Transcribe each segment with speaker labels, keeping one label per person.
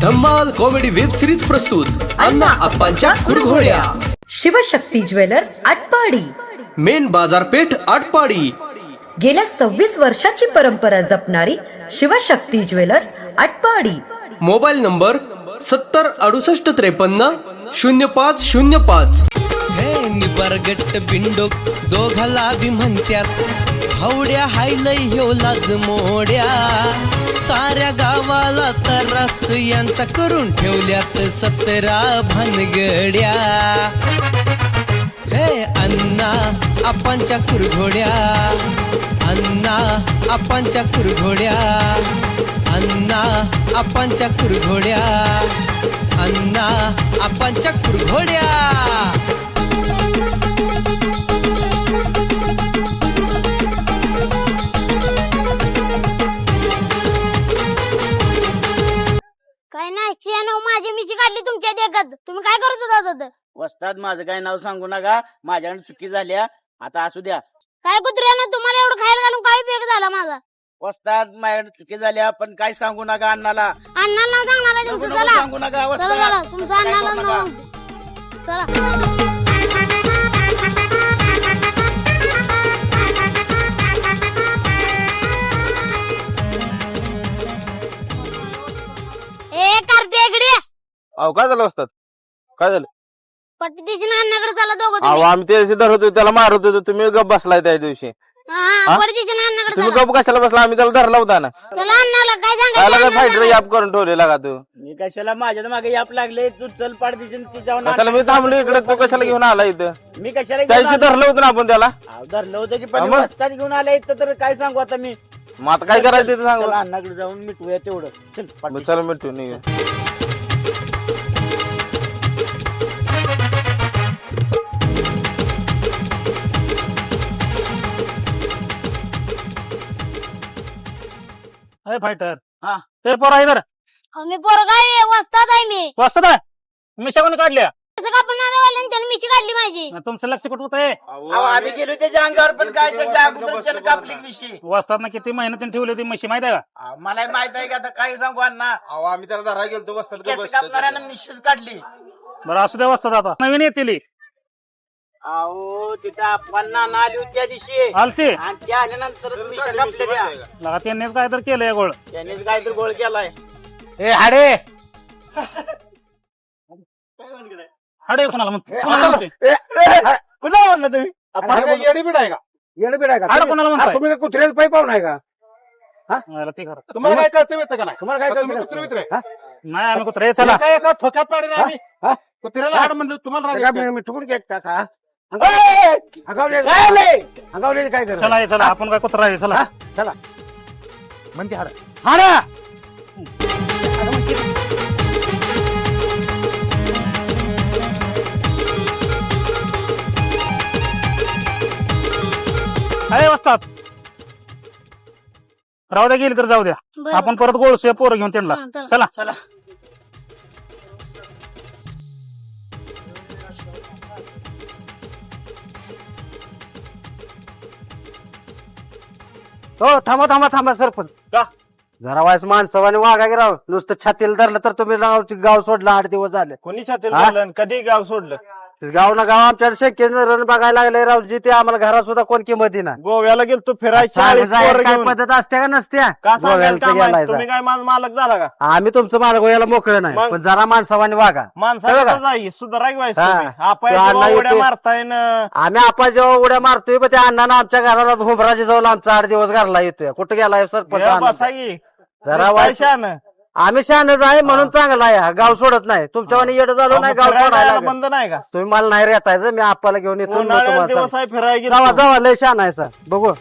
Speaker 1: धम्माल comedy web series प्रस्तुत अण्णा अप्पांच्या कुरघोड्या.
Speaker 2: शिवशक्ती ज्वेलर्स आटपाडी,
Speaker 1: मेन बाजारपेठ आटपाडी.
Speaker 2: गेल्या 26 वर्षाची परंपरा जपणारी Shivshakti jewellers Atpadi.
Speaker 1: Mobile number 7068530505.
Speaker 3: हे निबरगट बिंडोक दोघाला बी म्हणत्यात हवड्या हायलय ह्यो लाज मोड्या. साऱ्या गावाला तरास यांचा करून ठेवल्यात 17 भानगड्या. हे अण्णा आपांच्या कुरघोड्या, अण्णा आपांच्या कुरघोड्या, अण्णा आपांच्या कुरघोड्या, अण्णा आपांच्या कुरघोड्या.
Speaker 4: काय नाही 96 माझी मिशी काढली तुमच्या देखत. तुम्ही काय करत होता?
Speaker 5: वस्ताद माझं काय नाव सांगू नका, माझ्याकडे चुकी झाल्या. आता असू द्या.
Speaker 4: काय कुत्र्यानं तुम्हाला एवढं खायला घालून काय उपयोग झाला माझा?
Speaker 5: वस्ताद माझ्याकडे चुकी झाल्या, पण काय सांगू नका अण्णाला.
Speaker 4: अण्णाला नाव सांगणार आहे तुमचं. चला
Speaker 5: सांगू नका
Speaker 4: चला
Speaker 5: वस्ताद.
Speaker 4: चला तुमचं अण्णाला नाव चला. ए कार्टे इकडे ये.
Speaker 6: अहो काय झालं असतात? काय झालं?
Speaker 4: पट्टीची अण्णाकडे चला दोघं
Speaker 6: अहो
Speaker 4: तुम्ही.
Speaker 6: आम्ही त्याशी धरत होतो, त्याला मारत होतो, तुम्ही गप बसलाय त्या दिवशी.
Speaker 4: हा पट्टीची अण्णाकडे
Speaker 6: तुम्ही
Speaker 4: चला.
Speaker 6: गप कशाला बसला? आम्ही त्याला धरला होता ना.
Speaker 4: चला अण्णाला काय
Speaker 6: त्याला
Speaker 4: सांगायचं
Speaker 6: काय फायटर
Speaker 4: अण्णाला?
Speaker 6: याप करून ठेवलेला का तू?
Speaker 5: मी कशाला माझ्या मागे याप लागले, तू चल पाड दिसेल तिच्यावर.
Speaker 6: कशाला मी थांबलो इकडे, तू कशाला घेऊन आला इथं?
Speaker 5: मी कशाला घेऊन
Speaker 6: त्याशी
Speaker 5: आलो?
Speaker 6: धरलं होतं ना आपण त्याला.
Speaker 5: अहो, धरलं होतं की पण
Speaker 6: मग?
Speaker 5: वस्ताद घेऊन आले इथं, तर काय सांगू आता मी.
Speaker 6: मग आता काय करायचं ते सांग.
Speaker 5: चला अण्णाकडे जाऊन मिटवूया तेवढं. चल पाटली.
Speaker 6: चल मिठू नाही.
Speaker 7: अरे फायटर.
Speaker 5: हा.
Speaker 7: ते पोरा इधर
Speaker 4: मी पोरगा आहे, वस्ताद आहे मी.
Speaker 7: वाजतात आहे. मिशा कोणी काढल्या?
Speaker 4: असं कापून आल्यावाल्यानं त्यानं मिशी काढली माझी.
Speaker 7: तुमचं लक्ष कुठं होतंय?
Speaker 5: अहो, आम्ही गेलो त्याच्या अंगावर, पण काय त्याच्या अगोदर चल कापली विषयी.
Speaker 7: वाजतात किती मेहनतीने ठेवली होती म्हशी माहिती आहे का?
Speaker 5: मला माहित आहे का आता काय सांगू अण्णा.
Speaker 6: अहो आम्ही त्याला धरायला गेलो बसतात.
Speaker 5: केस कापणाऱ्यानं मिशीच काढली.
Speaker 7: बरं असू द्या वाजतात आता नवीन येतील.
Speaker 5: अहो तिथं आपण नाना आली होती त्या दिवशी,
Speaker 7: आलती
Speaker 5: आणि त्या आल्यानंतर मिशा कापल्या त्या.
Speaker 7: लगा त्यांनीच काय तर केलंय गोळ.
Speaker 5: त्यानेच काहीतरी गोळ केलाय.
Speaker 6: ए हाडे
Speaker 7: हाडे कोणाला म्हणते?
Speaker 5: कुठला म्हणलं तुम्ही?
Speaker 6: येडीबीड आहे का?
Speaker 8: येणं आहे का?
Speaker 7: हाडं कोणाला म्हणताय?
Speaker 8: तुम्ही कुत्र्याचं पाय पाहून आहे का?
Speaker 7: मला ते खरं.
Speaker 6: तुम्हाला काय कळतं येतं का नाही?
Speaker 8: तुम्हाला काय
Speaker 6: तुम्ही कुत्रे मित्र आहे?
Speaker 7: नाही आम्ही कुत्रे चला.
Speaker 6: काय एका ठोक्यात पाडीन आम्ही.
Speaker 8: हा?
Speaker 6: कुत्र्याला हाड म्हणलं तुम्हाला राग येतो.
Speaker 8: मी ठुकून घेत का?
Speaker 5: काय
Speaker 8: अंगावले काय कर?
Speaker 7: चला ये चला आपण काय कुत्रा आहे चला.
Speaker 8: चला म्हणते हाड
Speaker 7: हाडा अरे वाजतात. राहू द्या गेली तर जाऊ द्या.
Speaker 4: बरं.
Speaker 7: आपण परत गोळसे पोरं घेऊन त्यांना.
Speaker 4: हा, चला.
Speaker 7: चला
Speaker 5: चला.
Speaker 8: हो थांबा थांबा थांबा सरपंच.
Speaker 6: का?
Speaker 8: जरा वायस माणसावाने वागा की राव. नुसतं छातीला धरलं तर तुम्ही गाव सोडलं 8 दिवस झाले.
Speaker 6: कोणी छातील
Speaker 8: हा?
Speaker 6: कधी गाव सोडलं?
Speaker 8: गाव ना गाव आमच्याकडे शक्य रण बघायला लागले रावजी. ते आम्हाला घरात सुद्धा कोण किंमत ना.
Speaker 6: गोव्याला गेलतो फिरायची
Speaker 8: काय पद्धत असते का नसत्या? गोव्याला तर गेलाय
Speaker 6: तुम्ही काय माझा मालक झाला का?
Speaker 8: आम्ही तुमचं मार्ग गोव्याला मोकळं नाही,
Speaker 6: मग?
Speaker 8: पण जरा माणसावाने वागा.
Speaker 6: माणसाला जाई सुधारा
Speaker 8: हा.
Speaker 6: आपण
Speaker 8: तो अण्णा
Speaker 6: उड्या
Speaker 8: येतोय.
Speaker 6: मारताय ना.
Speaker 8: आम्ही आपण जेव्हा उड्या मारतोय पण त्या अण्णानं आमच्या घराला हुमराजी जाऊन आमचा 8 दिवस घरला येतोय. कुठं गेलाय सरपंच?
Speaker 6: बसा
Speaker 8: आनंद.
Speaker 6: की
Speaker 8: जरा वायस आम्ही शहाणच आहे म्हणून चांगला आहे. गाव सोडत नाही. तुमच्यावानी येडं झालो नाही गाव सोडायला.
Speaker 6: बंद नाही का?
Speaker 8: तुम्ही मला नाही रेटायचं. मी आपल्याला घेऊन येतो.
Speaker 6: उन्हाळ्यात दिवस आहे फिरायला
Speaker 8: जावा
Speaker 6: गेलो.
Speaker 8: जावा लय शहाण आहे सर. बघू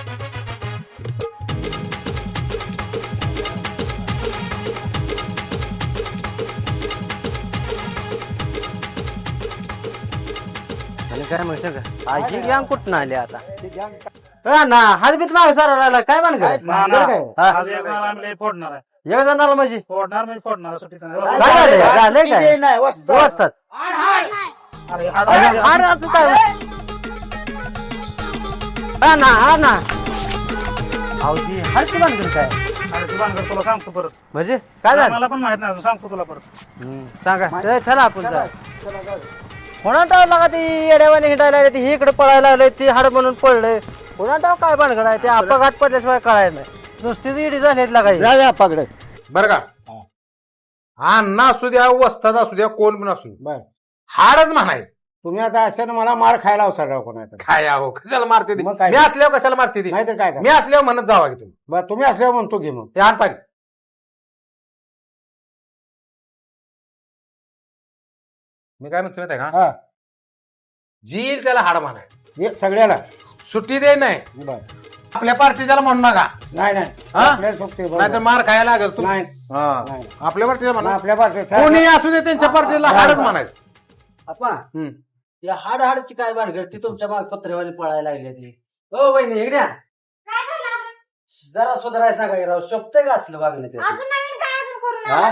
Speaker 8: आणि काय म्हणतो का आजी गँग कुठं आली आता? ना हातबीत मागे सारा राहिला काय म्हण काय
Speaker 7: फोडणार आहे.
Speaker 8: एक जणाला म्हणजे
Speaker 7: फोडणार म्हणजे फोडणार असं ठिकाण.
Speaker 8: काय झालंय? झालंय काय?
Speaker 5: नाही वस्ताद.
Speaker 8: वाजतात.
Speaker 7: अरे,
Speaker 8: हाड असं काय? हा ना हा ना. अहो ती हाडची बांधून काय?
Speaker 7: ती भानगड तुला सांगतो परत.
Speaker 8: म्हणजे काय झालं
Speaker 7: मला पण माहित नाही अजून, सांगतो तुला परत.
Speaker 8: सांगा चला आपण कोणा टाव लागा ती येड्यावाने हिंडायला लागले ती इकडे पळायला लागले ती हाड म्हणून पडलंय कोणा टाव काय भानगड आहे ते अपघात पडल्याशिवाय कळायला नाही नुसतीच इडी झाली लागायची
Speaker 9: जाऊया पकडे
Speaker 10: बरं का अण्णा असू द्या वस्ताद असू द्या कोण पण असू
Speaker 9: बर
Speaker 10: हाडच म्हणायचं.
Speaker 9: तुम्ही आता अशानं मला मार खायला अवसर कोणाचा
Speaker 10: काय अहो कशाला मारते ती?
Speaker 9: मग काय?
Speaker 10: मी असल्यावर कशाला मारते ती?
Speaker 9: नाही तर काय
Speaker 10: मी असल्यावर म्हणत जावा की तुम्ही
Speaker 9: बरं तुम्ही असल्यावर म्हणतो घे मग
Speaker 10: ते आण पाहिजे. मी काय म्हणतो माहिती आहे का
Speaker 9: हा
Speaker 10: जील त्याला हाड म्हणाय
Speaker 9: हे सगळ्याला
Speaker 10: सुट्टी दे नाही
Speaker 9: बर
Speaker 10: आपल्या पार्टी त्याला म्हणू नका
Speaker 9: नाही नाही
Speaker 10: हा?
Speaker 9: आपल्याला सोबते
Speaker 10: नाहीतर मार खायला लागेल तू
Speaker 9: नाही
Speaker 10: हा.
Speaker 9: नाही.
Speaker 10: आपल्या पार्टीला म्हणा
Speaker 9: आपल्या पार्टीत
Speaker 10: कोणी असू दे त्यांच्या पार्टीला हाडच म्हणायचं.
Speaker 8: आपण या हाड हाडची काय भानगड ती तुमच्या माग पत्रेवाली पळायला लागली ती हो वहिनी इकडे या. जरा सुधारायला सांगा राव शोभतंय का असलं वागणं ते
Speaker 4: अजून नवीन काय अजून करून
Speaker 8: हा?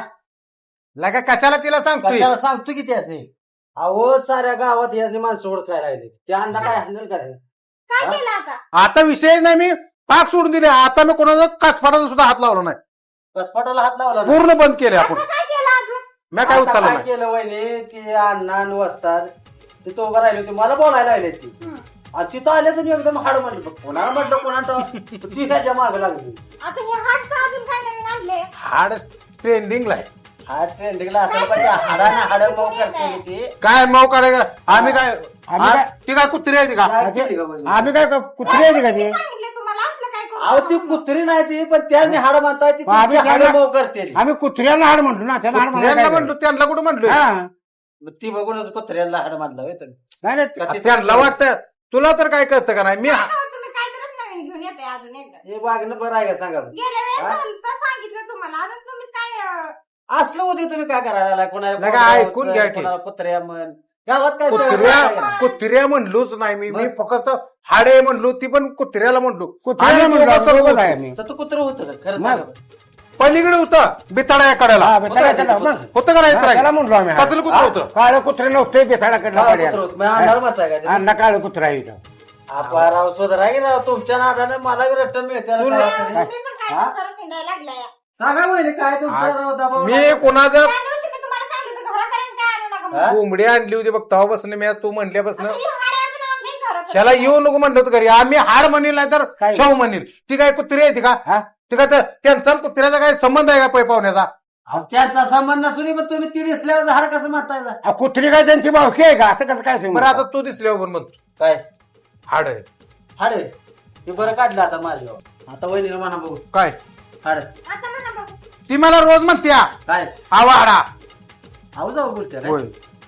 Speaker 10: लगा कशाला तिला सांगतोय
Speaker 8: कशाला सांगतो की त्याचे अहो साऱ्या गावात याची माणसं ओळखायला लागली त्या अण्णा काय हँडल करायचं
Speaker 4: काय
Speaker 8: हा?
Speaker 4: केलं आता
Speaker 10: आता विषय नाही मी पाक सोडून दिले आता मी कोणाचा कासफाटाचा सुद्धा हात लावला नाही
Speaker 8: कसपाटाला हात लावला ना?
Speaker 10: पूर्ण बंद केले आपण
Speaker 4: आता काय केलं अजून
Speaker 10: मी काय
Speaker 8: आता
Speaker 10: उचललं
Speaker 8: काय
Speaker 10: नाही
Speaker 8: केलं वहिनी ती अण्णा वसतात तिथं उभं राहिले होते मला बोलायला लागले ती आणि तिथं आले तर एकदम हाड म्हटलं कोणाला म्हटलं कोणा ती त्याच्या माग लागली
Speaker 4: आता हे हातचं अजून काय नवीन आणले
Speaker 10: हाड ट्रेंडिंगला आहे.
Speaker 8: हाड ट्रेंडिंगला असलं पाहिजे हाडाने हाड मऊ करते ती
Speaker 10: काय मऊ करायचं आम्ही काय
Speaker 9: आम्ही काय-
Speaker 10: ती काय कुत्री आहे ती का
Speaker 8: काय केली का वहिनी?
Speaker 9: आम्ही काय कुत्री आहे का ते
Speaker 4: सांगितलं तुम्हाला असलं काय करू
Speaker 8: अहो ती कुत्री नाही ती पण त्याने हाड म्हणताय ती
Speaker 9: आम्ही
Speaker 8: हाड
Speaker 9: त्याला-
Speaker 8: मऊ करते
Speaker 9: आम्ही कुत्र्याला हाड म्हणतो ना त्याला हाड म्हणायला
Speaker 10: त्यांना
Speaker 9: काय
Speaker 10: म्हणलो त्यांना कुठं म्हणलो
Speaker 9: हा.
Speaker 8: ती बघूनच कुत्र्याला हाड म्हणलं होय तुम्ही.
Speaker 9: नाही नाही
Speaker 8: का ती-
Speaker 10: त्यांना वाटतं तुला तर काय कळतं का नाही मी
Speaker 4: काय हो, तुम्ही काहीतरीच नवीन घेऊन येते अजून एकदा
Speaker 8: हे वागणं बरं आहे का सांगा बरं?
Speaker 4: गेल्या वेळेस
Speaker 8: हा?
Speaker 4: झालं तर सांगितलं तुम्हाला अजून तुम्ही काय
Speaker 8: असलं होते तुम्ही काय करायला लागलाय? कोणाला
Speaker 10: नका,
Speaker 8: कोणाला
Speaker 10: ऐकून घ्या की.
Speaker 8: कोणाला कुत्र्या म्हण गावात काय
Speaker 10: कुत्र्या म्हणलोच नाही मी फक्त हाडे म्हणलो ती पण कुत्र्याला म्हणलो
Speaker 9: कुत्र्याला
Speaker 10: आणि
Speaker 9: म्हणलो
Speaker 10: दोघं
Speaker 9: बरोबर
Speaker 10: सोबत
Speaker 9: आहे
Speaker 10: होतो.
Speaker 9: आम्ही
Speaker 8: तर तू कुत्र होतं का खरं
Speaker 9: मग.
Speaker 8: सांगा बरं.
Speaker 10: पलीकडे होतं बिताडा या कड्याला
Speaker 9: हा, बेताळाकडे मग.
Speaker 10: होतं का नाही
Speaker 9: हा, त्याला म्हणलो आम्ही
Speaker 10: कसलं कुत्र होतं
Speaker 9: काळं कुत्रे नव्हते बेताळाकडला
Speaker 8: हा, कुत्रं होतं. मग अंधार म्हणताय का ते?
Speaker 9: अण्णा काळं कुत्रा आहे इथं
Speaker 8: आपा राव सुधारा की राव तुमच्या नादाने मला बी रट्टम मिळते
Speaker 4: तुम्ही पण काय करत हिंडायला लागलाय
Speaker 8: सांगा म्हणजे काय तुमचा राव दबाव
Speaker 10: मी कोणाचं
Speaker 4: त्या दिवशी मी तुम्हाला सांगितलं होतं घरापर्यंत काय आणू नका म्हणून.
Speaker 10: कोंबडी आणली होती बघ तेव्हापासून मी तू म्हणल्यापासून
Speaker 4: आता ही हाडे अजून आणली घरापर्यंत.
Speaker 10: त्याला येऊ नको म्हणलं होतं घरी आम्ही हाड म्हणेल नाही तर
Speaker 9: काय?
Speaker 10: शाहू म्हणेल ती काय कुत्री आहे ती का
Speaker 9: हा?
Speaker 10: ती काय त्यांचा कुत्र्याचा काय संबंध आहे का पै पाहुण्याचा
Speaker 8: अहो, त्यांचा संबंध नसून पण तुम्ही ती दिसल्यावर झाड कसं म्हणताय जा?
Speaker 9: आ, कुत्री काय त्यांची भावकी आहे का असं कसं काय तुम्ही
Speaker 10: बरं आता तू दिसल्यावर पण म्हणतो
Speaker 8: काय
Speaker 10: हाड आहे
Speaker 8: हाड आहे? हे बरं काढलं आता माझ्या आता वहिनीला म्हणा बघू
Speaker 10: काय
Speaker 8: हाड
Speaker 4: आता म्हणा बघू.
Speaker 10: ती मला रोज म्हणते
Speaker 8: काय
Speaker 10: आवा हाडा
Speaker 8: आहो जाऊ बोलते
Speaker 10: होय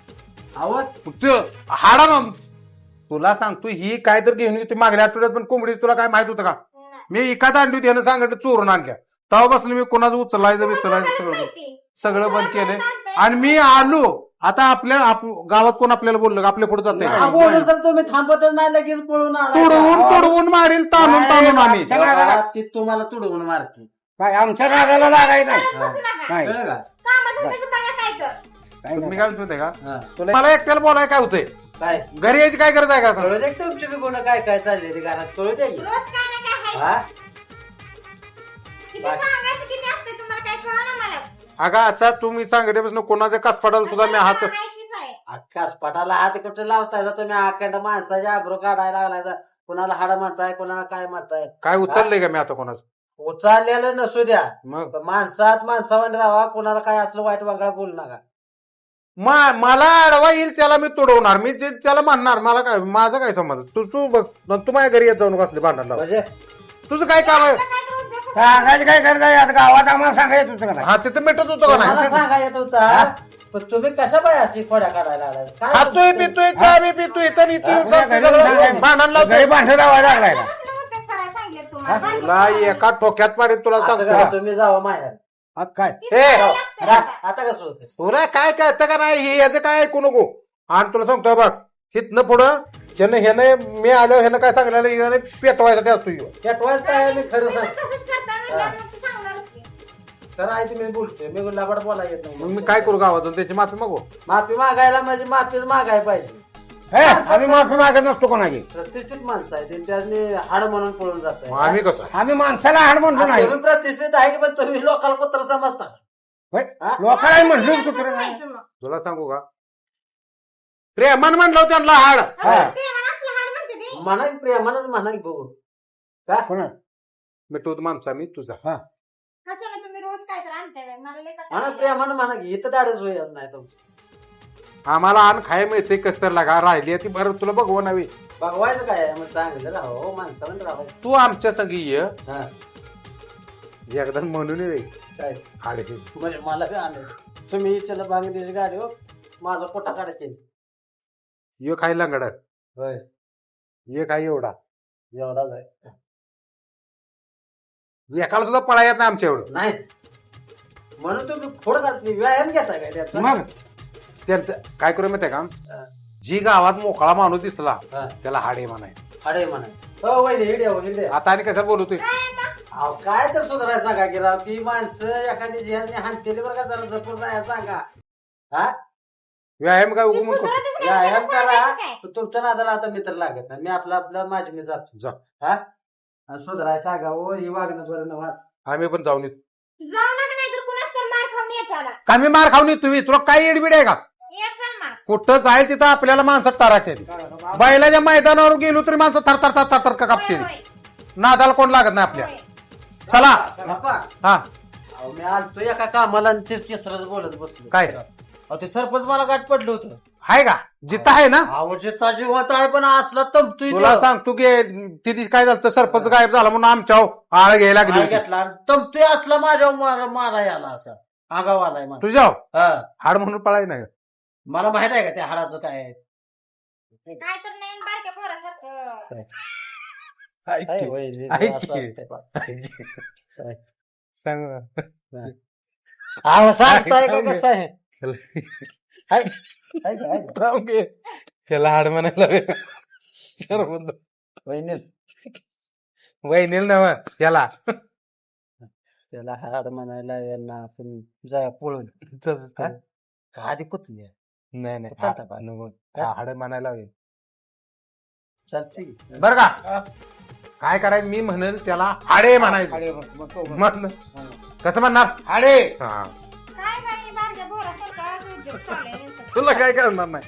Speaker 8: आहो
Speaker 10: तू हाडा मग तुला सांगतो ही काय तर घेऊन येते मागल्या आठवड्यात पण कोंबडी तुला काय माहित होतं का मी एखाद आणली होती यानं सांगितलं चोरून आणल्या तेव्हापासून मी कोणाचं उचलायचं बिचलायचं सगळं
Speaker 4: माहिती.
Speaker 10: सगळं बंद केलंय आणि मी आलो आता आपल्या गावात कोण आपल्याला बोललं का आपल्या पुढे जाते
Speaker 8: हा, बोलून तर तुम्ही थांबतच नाही लगेच पळून आला
Speaker 10: तोडवून मारील ताणून ताणून आम्ही
Speaker 8: ती तुम्हाला तुडवून मारते
Speaker 9: काय आमच्या नागाला लागाय नाही
Speaker 4: करत बसू नका.
Speaker 9: नाही.
Speaker 8: कळलं का
Speaker 4: कामाधंद्याचं बघा काय तर.
Speaker 9: काय
Speaker 10: मी
Speaker 9: नाही.
Speaker 10: काय म्हणतोय का
Speaker 8: हा.
Speaker 10: मला एकट्याला बोलाय काय होतंय
Speaker 8: काय
Speaker 10: घरी यायची काय गरज आहे का
Speaker 8: कळू दे की तुमची बी गुन्हा काय काय चालले ते घरात कळू दे की.
Speaker 4: रोज काय ना काय
Speaker 8: हा
Speaker 4: आहे. किती सांगायचं किती असते तुम्हाला काय कळलं मला.
Speaker 10: अगं आता तुम्ही सांगितल्यापासून कोणाच्या कासपाडाला सुद्धा मी हात
Speaker 4: माहितीच आहे.
Speaker 8: अख्खा स्पटाला हात कुठे लावताय तुम्ही अखंड माणसाच्या आब्रो काढायला लागलाय कुणाला हाड म्हणताय कुणाला काय म्हणताय
Speaker 10: काय उचललंय का मी आता कोणाचं
Speaker 8: उचाललेलं नसू द्या
Speaker 10: मग
Speaker 8: पण माणसात माणसावाने राहा कुणाला काय असलं वाईट वागळा बोलू नका
Speaker 10: मला अडवा येईल त्याला मी तोडवणार मी जे त्याला म्हणणार मला काय माझा काय संबंध तू बघ तू माझ्या घरी येत जाऊ नको असले भांडण लावून.
Speaker 8: म्हणजे
Speaker 10: तुझं काय काम आहे
Speaker 4: काय तर उद्योग
Speaker 9: सांगायचं काय करायचं आता गावात आम्हाला सांगायचं होतं का नाही
Speaker 10: हा तिथं मिटत होतं का
Speaker 8: मला
Speaker 10: नाही
Speaker 8: सांगा येत होता पण तुम्ही कशा बाय अशी खोड्या काढायला लागलाय काय
Speaker 10: खातोय
Speaker 8: तुमचं?
Speaker 10: पितोय चहा बी पितोय तर इथे येऊन सगळं भांडण लावतोय
Speaker 9: घरी भांडण लावायला लागलाय का
Speaker 4: कसलं उद्योग करायला सांगितलं तुम्हाला.
Speaker 10: तुला एका टोक्यात पाडीत तुला
Speaker 8: असं
Speaker 10: सांगतो
Speaker 8: करा, तुम्ही जावा माहेर
Speaker 9: हा, काय
Speaker 10: ए
Speaker 8: आता कसं होतं
Speaker 10: तुला काय कळतं का नाही हे याचं काय ऐकू नको आणि तुला सांगतोय बघ हिथनं पुढं ह्याने मी आलो ह्यानं काय सांगितलं ह्याने पेटवायसाठी असतो ह्यो.
Speaker 8: पेटवायच काय मी खरं सांग
Speaker 4: तसंच करता म्हणल्यावर मग ते सांगणारच की.
Speaker 8: खरं आहे तुम्ही बोलतोय मी लबाड बोला येत
Speaker 10: मग
Speaker 8: नाही
Speaker 10: मी काय करू गावातून त्याची माफी मागू
Speaker 8: माफी मागायला म्हणजे माफीच मागाय पाहिजे
Speaker 9: आम्ही माणसं मागत नसतो कोणाची.
Speaker 8: प्रतिष्ठित माणसं आहे त्याने हाड म्हणून पळून जात
Speaker 10: मग आम्ही कसं
Speaker 9: आम्ही माणसाला हाड म्हणतो नाही.
Speaker 8: तुम्ही प्रतिष्ठित आहे पण तुम्ही लोकांना कुत्र समजता.
Speaker 9: लोकांना म्हणलं कुत्र नाही.
Speaker 10: तुला सांगू का प्रेमान म्हणलं त्यांना हाड.
Speaker 8: म्हणा की प्रेमानच म्हणा की बघू
Speaker 9: कोणा?
Speaker 10: मी तू माणसा मी तुझा.
Speaker 4: कशाला तुम्ही रोज काय तर आणताय मला लय
Speaker 8: म्हणा प्रेमानं म्हणा की इथं दाडच होईच नाही तुमचं.
Speaker 10: आम्हाला आण खाय मिळते कस तर लागा राहिली ती बरं तुला बघवा नवी.
Speaker 8: बघवायचं काय मग चांगलं राहावं माणसाला राहावं.
Speaker 10: तू आमच्या संगी ये
Speaker 8: हा
Speaker 10: एकदा म्हणून ये
Speaker 8: काय
Speaker 10: हाडे.
Speaker 8: म्हणजे मला काय आणलं तुम्ही चला बांगदेशी गाडी हो माझा पोटा काढायचे.
Speaker 10: ये खाय लंगडत
Speaker 8: होय
Speaker 10: ये काय एवढा
Speaker 8: एवढाच आहे.
Speaker 10: एकाला सुद्धा पळा येत नाही आमच्या एवढं.
Speaker 8: नाही म्हणून तुम्ही खोड काढते व्यायाम घेता काय त्याचा.
Speaker 9: मग
Speaker 10: त्यात काय करू माहितीये का जी गावात मोकळा माणूस दिसला
Speaker 8: हा.
Speaker 10: त्याला हाडे म्हणाय.
Speaker 8: अरे म्हणा हो वहिनी हिडे हो हिडे.
Speaker 10: आता आणि कशाला बोलतोय
Speaker 8: अहो काय तर सुधारायचं सांगा की राव ती माणसं एखादी जिहाने हानतेली बरं का जरा जपून राहायला सांगा. हा
Speaker 10: व्यायाम काय उगम करतो.
Speaker 8: व्यायाम करा तुमच्या नादाला आता मित्र लागत नाही. मी आपला माझी मी जातो.
Speaker 10: जा.
Speaker 8: हा सुधारायला सांगा हो ही वागणं बरं न वाच.
Speaker 10: आम्ही पण जाऊन येतो.
Speaker 4: जाऊ नका नाही तर कुणाच तर मार खाऊन येत झाला
Speaker 10: कमी मार खाऊन येतो तुम्ही तुला काय एडबीड आहे का
Speaker 4: येत चाल मार.
Speaker 10: कुठं जाईल तिथं आपल्याला माणसं टाराते. बैलाच्या मैदानावर गेलो तरी माणसं थरथर थरथर थर का कापते.
Speaker 4: होय,
Speaker 10: नादाला कोण लागत नाही आपल्या.
Speaker 4: होय.
Speaker 10: चला
Speaker 8: बाप्पा,
Speaker 10: हा
Speaker 8: अहो, मी आलतो एका कामाला आणि ते तिसरंच बोलत बसलो.
Speaker 10: काय
Speaker 8: अहो ते सरपंच मला गाठ पडलं होतं.
Speaker 10: आहे का जिथं आहे ना.
Speaker 8: अहो जिता जिवंत आहे पण असला तमतोय
Speaker 10: तुला सांगतो की तिथे काय झालं सरपंच गायब झाला म्हणून आमच्या आळ घ्यायला लागली होती.
Speaker 8: घेतला तमतोय असला माझ्या मारा याला असा आगाव आलाय मला.
Speaker 10: तुझ्या
Speaker 8: हा
Speaker 10: हाड म्हणून पळाय नाही.
Speaker 8: मला माहित आहे का त्या हाडाचं काय आहे.
Speaker 4: काय तर नाही बारक्या पोरासारखं
Speaker 8: आहे वय,
Speaker 10: ऐक
Speaker 8: असं
Speaker 10: की.
Speaker 8: असतंय.
Speaker 10: सांग
Speaker 8: अहो, सांगताय का कसं आहे. आहे का, आहे का?
Speaker 10: त्याला हाड म्हणायला सरपंच
Speaker 8: वहिनी
Speaker 10: वहिनील नव त्याला
Speaker 8: त्याला हाड म्हणायला यांना आपण जाय पळून
Speaker 10: तसंच
Speaker 8: का आधी कुतली
Speaker 10: नाही नाही
Speaker 8: चालतं बा.
Speaker 10: नको. हाड म्हणायला हवे.
Speaker 8: चालते
Speaker 10: बर का काय करायचं मी म्हणेल त्याला हाडे म्हणायचं. म्हण कसं म्हणणार हाडे. हा
Speaker 4: काय नाही बारक्या पोरासारखं उद्योग चालू आहे.
Speaker 10: तुला काय करणार नाही.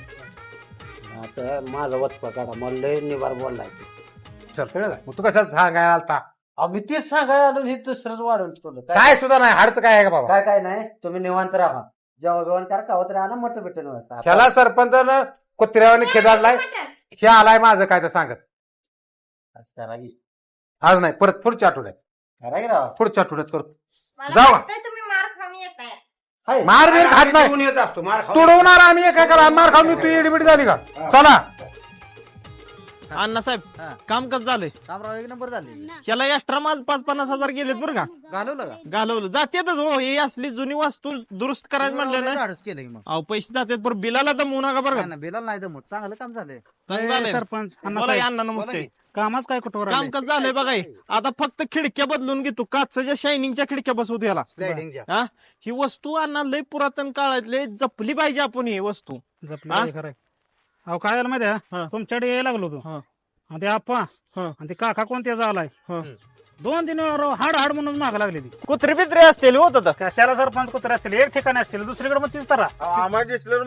Speaker 8: आता माझा वचपा काढा मला लय निवार बोललाय.
Speaker 10: चल कळलं का? मग तू कसं सांगायला आलता
Speaker 8: आम्ही तेच सांगायला आलो हे दुसरंच वाढवून ठेवलं.
Speaker 10: काय सुद्धा नाही हाडचं काय आहे का बाबा.
Speaker 8: काय नाही तुम्ही निवांत राहा जेव्हा बिवण करा कावत राहा ना मोठं भेटून
Speaker 10: त्याला सरपंचानं कुत्र्यावाने खेदाडलाय. हे आलाय माझं काय तर सांगत
Speaker 8: करावी
Speaker 10: आज नाही परत पुढच्या आठवड्यात.
Speaker 8: करावी राहा.
Speaker 10: पुढच्या आठवड्यात करतो.
Speaker 4: मला
Speaker 10: जाऊ.
Speaker 4: वाटतंय तुम्ही मार खाऊन येत आहे.
Speaker 8: हाय.
Speaker 10: मार बीर खात नाही
Speaker 9: घेऊन येत असतो मार खाऊ.
Speaker 10: तुडवणार आम्ही काय करा मार खाऊन तू एडबिड झाली का. चला
Speaker 6: अण्णासाहेब काम कसं झालंय.
Speaker 8: कामराव एक नंबर झाले.
Speaker 6: याला एक्स्ट्रा माल 5-50 हजार गेलेत बरं का.
Speaker 8: घालवलं का
Speaker 6: घालवलं जातेतच हो. ही असली जुनी वस्तू दुरुस्त करायचं म्हणलं ना
Speaker 8: धाडस केलं मग
Speaker 6: अहो पैसे जातात पण बिलाला तर मुना का बरं का.
Speaker 8: बेला नाही जमत चांगलं काम झालंय.
Speaker 6: चांगलं झालंय.
Speaker 7: सरपंच
Speaker 6: बोला की अण्णा नमस्ते.
Speaker 7: कामच काय कुठवर
Speaker 6: काम कसं झालंय बघा हे. आता फक्त खिडक्या बदलून घेतो काचच्या शायनिंगच्या खिडक्या बसवतो याला.
Speaker 8: स्लायडिंगच्या
Speaker 6: हा ही वस्तू अण्णा लय पुरातन काळातले जपली पाहिजे आपण ही वस्तू.
Speaker 7: जपलं खरं. अहो काय झालं माहिती
Speaker 6: हा.
Speaker 7: आहे तुमच्याकडे यायला लागलो तू
Speaker 6: हा.
Speaker 7: आणि ते आप्पा
Speaker 6: हा.
Speaker 7: आणि ते काका कोणत्या आलाय
Speaker 6: हा.
Speaker 7: 2-3 वेळा हाड हाड म्हणून माग लागली ती.
Speaker 6: कुत्रे बित्रे असतील होत आता.
Speaker 7: कशाला सरपंच कुत्रे असतील एक ठिकाणी असतील दुसरीकडे मग तीच तरा
Speaker 6: काय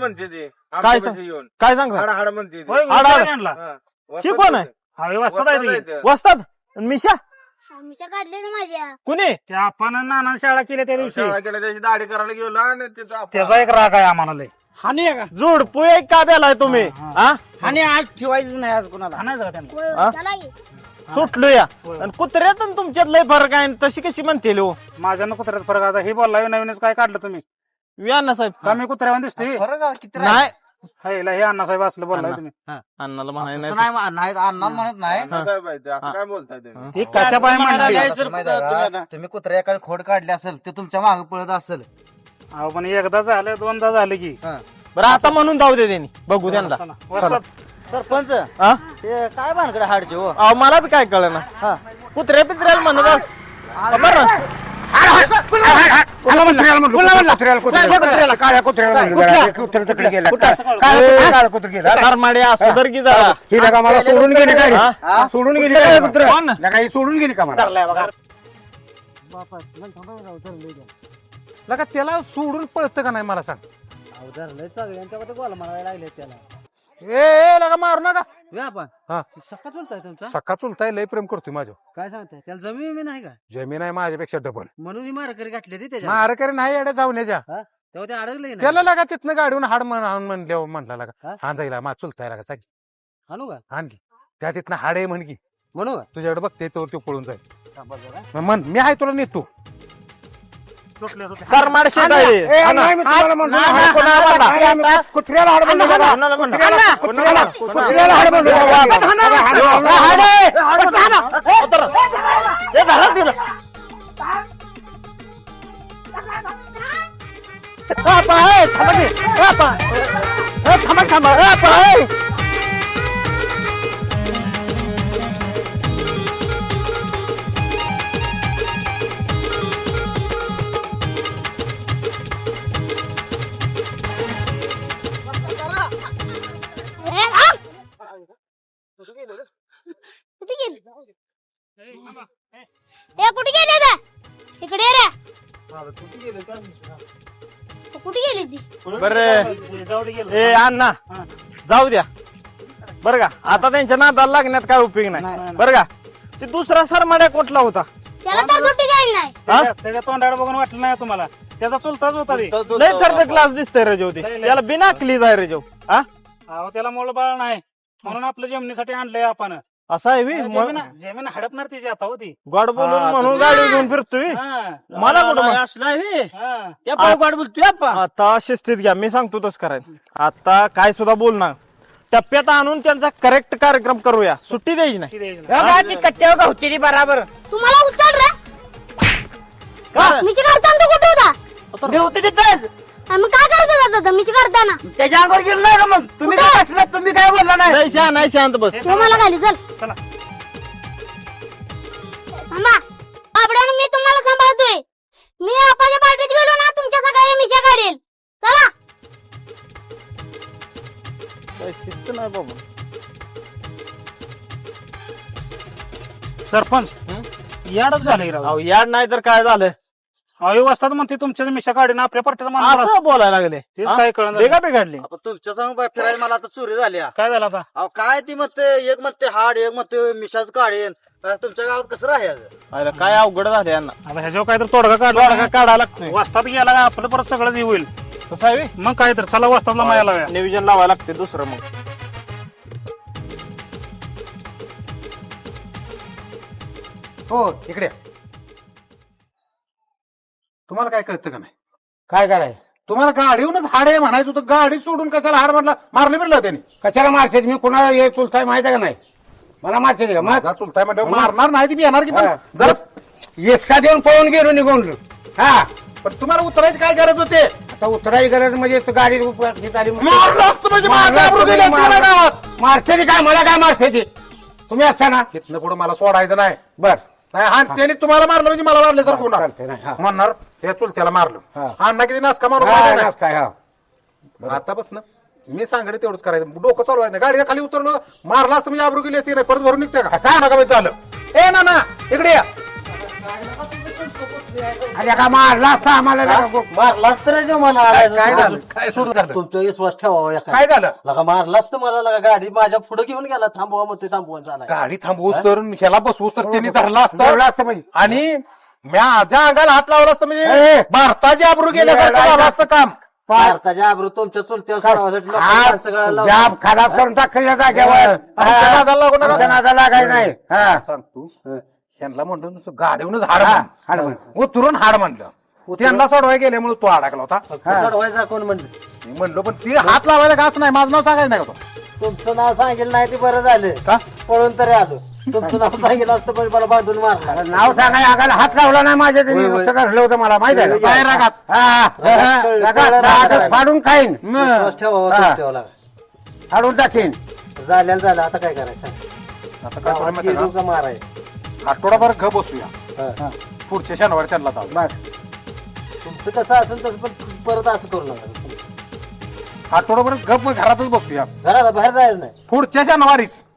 Speaker 6: सांगता
Speaker 7: होय,
Speaker 6: हाड हाड.
Speaker 7: उचलून आणला.
Speaker 6: हे कोण आहे.
Speaker 7: हा व्यवस्था आहे ती.
Speaker 6: वस्तात मिशा
Speaker 4: आमच्या काढले ना माझ्या
Speaker 6: कुणी
Speaker 7: त्या आपण नाना शाळा केल्या त्या दिवशी
Speaker 6: दाढी करायला गेलो आणि
Speaker 7: त्याचा एक राग आहे आम्हाला लय.
Speaker 6: हानी आहे का जोडपू एक का बेलाय तुम्ही.
Speaker 7: हा.
Speaker 6: हा
Speaker 8: आणि आज ठेवायचं नाही आज कोणाला.
Speaker 7: हाणायचं का त्यांना?
Speaker 4: होय,
Speaker 6: हा?
Speaker 4: चला की.
Speaker 6: सुटलो या
Speaker 7: होय.
Speaker 6: आणि कुत्र्यात आणि तुमच्यात लय फरक आहे तशी कशी म्हणते लो.
Speaker 7: माझ्यानं कुत्र्यात फरक आता हे बोलला नवीनच काय काढलं तुम्ही
Speaker 6: अण्णा साहेब
Speaker 7: का मी कुत्र्यावर दिसतोय
Speaker 8: फरक आहे, किती
Speaker 6: नाही
Speaker 7: हे हे अण्णासाहेब असलं बोललाय तुम्ही
Speaker 6: अण्णाला
Speaker 8: तसं
Speaker 6: म्हणायला
Speaker 8: नाही अन्नात म्हणत नाही.
Speaker 6: काय बोलताय
Speaker 7: ती कशा पाय म्हणली
Speaker 8: माहिती आहे का? तुम्ही कुत्र्याकडे खोड काढली असेल ते तुमच्या मागे पळत असेल.
Speaker 7: अहो पण एकदा झालं 2दा झालं की
Speaker 6: बरं आता म्हणून जाऊ दे त्यांनी बघू त्यांना.
Speaker 7: चला, वस्तात.
Speaker 8: सरपंच
Speaker 6: हा?
Speaker 8: ते काय भानकडे हाडचे हो.
Speaker 6: अहो मला बी काय कळलं ना
Speaker 8: हा.
Speaker 6: कुत्र्या पित्र्याला म्हणत बरं
Speaker 9: काळ्या कुत्र्याला
Speaker 6: सरमाडे असू तर की जरा
Speaker 9: ही लगा मला सोडून गेली काय
Speaker 6: हा?
Speaker 9: सोडून गेली
Speaker 6: कोण?
Speaker 9: ही सोडून गेली का मला
Speaker 10: लगा त्याला सोडून पळतं का नाही मला सांग.
Speaker 8: सगळ्यांच्या गोल मारायला लागले त्याला
Speaker 10: ए लगा मारू नका.
Speaker 8: आपण
Speaker 10: हा
Speaker 8: सक्का चुलताय तुमचा
Speaker 10: सका चुलताय लय प्रेम करतोय माझ्या.
Speaker 8: काय सांगताय त्याला जमीन नाही का
Speaker 10: जमीन आहे माझ्यापेक्षा डबल.
Speaker 8: म्हणून ही मारकरी गाठली ती त्याच्या
Speaker 10: मारकरी नाही एवढ्या जाऊन्याच्या.
Speaker 8: तेव्हा ते अडकले ना
Speaker 10: त्याला लागा तिथनं गाडीहून हाड म्हणल्यावर म्हणला लागा
Speaker 8: हा?
Speaker 10: हा जाईल मा चुलताय लागा सांग
Speaker 8: आणू का
Speaker 10: आणखी त्या तिथनं हाड आहे म्हण की
Speaker 8: म्हणू का
Speaker 10: तुझ्याकडे बघते तो पळून जाईल. म्हण मी आहे तुला नेतो.
Speaker 6: सरमाड शेट आहे.
Speaker 9: ए, नाही, मी तुम्हाला म्हणतो ना,
Speaker 6: नाही, कोणाला म्हणला?
Speaker 9: नाही, आम्ही कुत्र्याला हाड म्हणलो बाबा.
Speaker 6: कोणाला म्हणला?
Speaker 9: कुत्र्याला हाड म्हणलो बाबा.
Speaker 4: ए, आ! कुठे गेली ए कुठे गेले रे इकडे ये रे कुठे गेली ती
Speaker 6: बरं
Speaker 7: जाऊ दे गेलो.
Speaker 6: ए अण्णा जाऊ द्या बरं का. आता त्यांच्या नादाला लागण्यात काय उपयोग नाही बरं का. ते दुसरा सरमाड्या कुठला होता?
Speaker 4: त्याला तर सुट्टी काही नाही
Speaker 7: त्याच्या तोंडाला बघून वाटलं नाही तुम्हाला त्याचा चुलताच होता ते.
Speaker 6: लय थर्ड क्लास दिसतंय रेजो ते. त्याला बिना क्लीज आहे रेजो. हा
Speaker 7: अहो त्याला मोल बाळ नाही म्हणून आपलं जमिनीसाठी आणलंय आपण.
Speaker 6: असा आहे बी?
Speaker 7: जमीन हडपणार तिची आता होती.
Speaker 6: गॉड बोलून म्हणून गाडी घेऊन फिरतोय. मला कुठं माहित?
Speaker 5: असला हे
Speaker 7: हा.
Speaker 5: त्या पायवाड बोलतोय आपण.
Speaker 6: आता शिस्तीत घ्या, मी सांगतो तसं करायचं. आता काय सुद्धा बोलणार टप्प्यात आणून त्यांचा करेक्ट कार्यक्रम करूया. सुट्टी द्यायची नाही.
Speaker 7: ती द्यायची नाही.
Speaker 5: कट्ट्यावर होती बराबर
Speaker 4: तुम्हाला उचल रे मीची काढताना तू कुठे होता
Speaker 5: होते तिथंच
Speaker 4: आणि मग काय करत होता मीची काढताना
Speaker 5: त्याच्या अंगावर गेलो नाही का मग तुम्ही काय असला तुम्ही काय बोलला नाही.
Speaker 6: नाही शांत, नाही शांत बस.
Speaker 4: तू मला खाली चल
Speaker 7: चला.
Speaker 4: थांबा आपल्यानं मी तुम्हाला सांभाळतोय. मी आपाच्या पार्टीत गेलो ना तुमच्या सकाळी मिशा काढेल. चला
Speaker 6: काय शिस्त नाही बाबा.
Speaker 7: सरपंच याडच झालंय राव.
Speaker 6: अहो याड नाही तर काय झालं?
Speaker 7: अहो वाजतात म्हणते तुमच्या मिशा काढून आपल्या पार्टीचा माणूस
Speaker 6: असं बोलायला लागले.
Speaker 7: तेच काय कळलं
Speaker 6: बेगा बिघडली.
Speaker 5: तुमच्या सांग फिरायला मला आता चोरी झाली.
Speaker 7: काय झालं आता.
Speaker 5: अहो काय ती म्हणते एक म्हणते हाड एक म्हणते मिशाच काढेन. तुमच्या गावात कसं राहायचं.
Speaker 6: अरे काय अवघड झाले यांना.
Speaker 7: आता ह्याच्यावर काय तर तोडगा
Speaker 6: तोडगा
Speaker 7: काढला
Speaker 6: काढायला लागतोय.
Speaker 7: वाजतात गेला का आपलं परत सगळंच हे होईल.
Speaker 6: कसं आहे बे?
Speaker 7: मग काय तर चला वाजतातला माया लाव्या.
Speaker 6: नियोजन लावायला लागते दुसरं मग.
Speaker 10: हो इकडे या. तुम्हाला काय कळतं का नाही?
Speaker 9: काय करायचं
Speaker 10: तुम्हाला गाडीहूनच हाड आहे म्हणायचं होतं. गाडी सोडून कशाला हाड म्हणला मारले बिरलं त्यांनी.
Speaker 9: कशाला मारते मी कोणाला हे चुलताय माहिती आहे का नाही मला मारते का मग
Speaker 10: माझा चुलताय म्हणल्यावर मारणार नाही ती बी येणार की पण
Speaker 9: हा.
Speaker 10: जरा
Speaker 9: येसका देऊन पळून गेलो निघून. हा
Speaker 10: पण तुम्हाला उतरायची काय गरज होते?
Speaker 9: आता उतरायची गरज म्हणजे तू गाडी उपयोगी झाली म्हणून.
Speaker 10: मारलं असतं म्हणजे माझ्या आबरू गेली असती ना गावात.
Speaker 9: मारते ती काय मला काय मारते ती तुम्ही असताना
Speaker 10: इथनं पुढे मला सोडायचं नाही.
Speaker 9: बर
Speaker 10: नाही हा त्याने तुम्हाला मारलं म्हणजे मला मारले सर कोणा
Speaker 9: चालतंय, नाही, हा.
Speaker 10: म्हणणार त्या चुलत्याला मारलं.
Speaker 9: हा.
Speaker 10: अण्णा किती नाचका मारून
Speaker 9: हा,
Speaker 10: मारला नाही.
Speaker 9: नाच काय हा
Speaker 10: आता बस ना मी सांगते तेवढंच करायचं. डोकं चालवायचं नाही. गाडीच्या खाली उतरलं मारला असतं म्हणजे आबरू गेली असती नाही. परत भरून निघते का काय नका झालं. ए ना इकडे या.
Speaker 9: अरे का मारला असता आम्हाला
Speaker 8: मारलाच तर मला
Speaker 10: काय झालं? काय सुरू झालं?
Speaker 8: तुमचा विश्वास ठेवावा एका.
Speaker 10: काय झालं?
Speaker 8: लगा मारलाच तर मला लगा गाडी माझ्या पुढे घेऊन गेला. थांबवा मग ते थांबवून चालाय.
Speaker 10: गाडी थांबवूस तर ह्याला बसवूस तर त्यांनी धरला
Speaker 9: धरला
Speaker 10: असतं
Speaker 9: असतं म्हणजे.
Speaker 10: आणि माझ्या अंगाला हात लावला असतं म्हणजे
Speaker 9: ए.
Speaker 10: भारताची आबरू गेल्यासारखं झालं असतं काम.
Speaker 8: भारताच्या आबरू तुमच्या चुलत्याला सोडवासाठी लोकांना सगळ्याला लावलं.
Speaker 9: जाब खराब करून टाकल्या जागेवर
Speaker 10: आमच्या नादाला लागू नका.
Speaker 9: आमच्या नादाला लागायचं नाही हा
Speaker 10: सांग तू ह्यांना म्हणतो नुसतं गाडीहूनच हाड
Speaker 9: हा,
Speaker 10: म्हण.
Speaker 9: हाड म्हण.
Speaker 10: उतरून हाड म्हणलं. त्यांना सोडवाय गेल्यामुळे तो अडकला होता.
Speaker 8: सोडवायचा कोण म्हणलं.
Speaker 10: मी म्हणलो पण ती हात लावायला का असं नाही. माझं नाव सांगायचं नाही का तो.
Speaker 8: तुमचं नाव सांगितलं नाही ते बरं झालं
Speaker 10: का?
Speaker 8: पळून तरी आलो. तुमचं नाव सांगितलं असतं पण मला बांधून मारला.
Speaker 9: नाव सांगाय आगाला हात लावला नाही माझ्या तरी
Speaker 8: होय.
Speaker 9: नुसतं घडलं होतं मला माहिती आहे का?
Speaker 10: काय रागात?
Speaker 9: रागात फाडून खाईन
Speaker 8: विश्वास ठेवावा
Speaker 9: हा.
Speaker 8: तुमच्यावर लागा.
Speaker 9: फाडून टाकीन.
Speaker 8: झाल्याला झालं आता काय करायचं.
Speaker 10: आता काय करायचं माहिती आहे
Speaker 8: का माराय
Speaker 10: का? आठवडाभर घ बसूया पुढच्या शनिवारी त्यांना जाऊ
Speaker 8: तुमचं कसं असेल तसं पण परत असं करू नका
Speaker 10: आठवड्यापर्यंत गप घरातच बघूया
Speaker 8: घराला बाहेर जायचं नाही
Speaker 10: पुढच्या शनिवारीच